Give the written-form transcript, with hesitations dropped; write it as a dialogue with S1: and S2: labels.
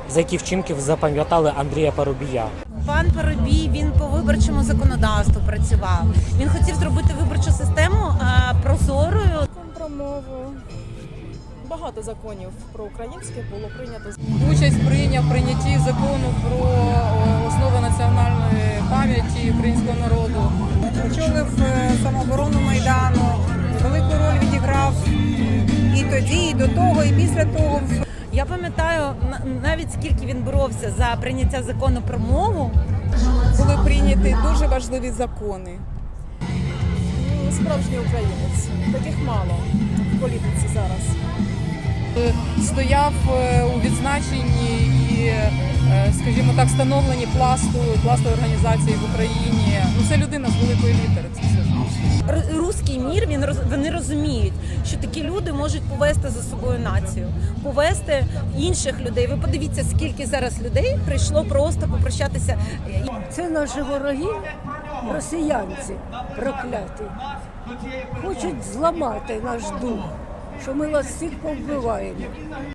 S1: За які вчинки ви запам'ятали Андрія Парубія?
S2: Пан Парубій, він по виборчому законодавству працював. Він хотів зробити виборчу систему прозорою.
S3: Про мову. Багато законів про українське було прийнято.
S4: Участь прийняв в прийнятті закону про основи національної пам'яті українського народу.
S5: Очолив самооборону Майдану, велику роль відіграв і тоді, і до того, і після того.
S2: Я пам'ятаю навіть скільки він боровся за прийняття закону про мову.
S5: Були прийняті дуже важливі закони.
S3: Справжній українець. Таких мало в політиці зараз.
S4: Стояв у відзначенні і, скажімо так, становленні пласту організації в Україні. Ну, це людина з великої літери. Це все.
S2: Руський мір, вони розуміють, що такі люди можуть повести за собою націю, повести інших людей. Ви подивіться, скільки зараз людей прийшло просто попрощатися.
S6: Це наші вороги, росіянці прокляті. Хочуть зламати наш дух, що ми вас всіх повбиваємо.